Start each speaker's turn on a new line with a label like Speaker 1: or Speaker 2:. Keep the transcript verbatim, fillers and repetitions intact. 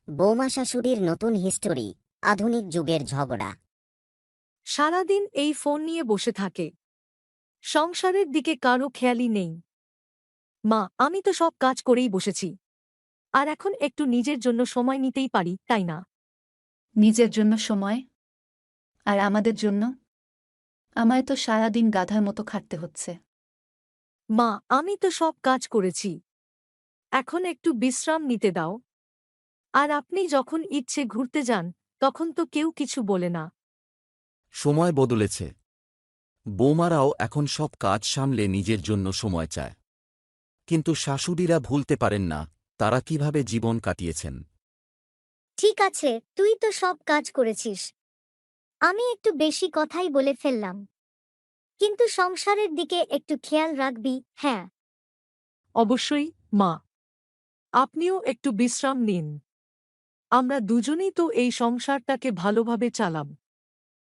Speaker 1: বৌমা শাশুড়ির নতুন হিস্টোরি, আধুনিক যুগের ঝগড়া।
Speaker 2: সারাদিন এই ফোন নিয়ে বসে থাকে। সংসারের দিকে কারো খেয়ালই নেই। মা, আমি তো সব কাজ করেই বসেছি। আর এখন একটু নিজের জন্য সময় নিতেই পারি, তাই না?
Speaker 3: নিজের জন্য সময়? আর আমাদের জন্য? আমায় তো সারাদিন গাধার মতো খাটতে হচ্ছে।
Speaker 2: মা, আমি তো সব কাজ করেছি। এখন একটু বিশ্রাম নিতে দাও। আর আপনি যখন ইচ্ছে ঘুরতে যান, তখন তো কেউ কিছু বলে না।
Speaker 4: সময় বদলেছে। বৌমারাও এখন সব কাজ সামলে নিজের জন্য সময় চায়। কিন্তু শাশুড়িরা ভুলতে পারেন না তারা কিভাবে জীবন কাটিয়েছেন।
Speaker 5: ঠিক আছে, তুই তো সব কাজ করেছিস। আমি একটু বেশি কথাই বলে ফেললাম। কিন্তু সংসারের দিকে একটু খেয়াল রাখবি, হ্যাঁ?
Speaker 2: অবশ্যই, মা। আপনিও একটু বিশ্রাম নিন। আমরা দুজনেই তো এই সংসারটাকে ভালোভাবে চালাম।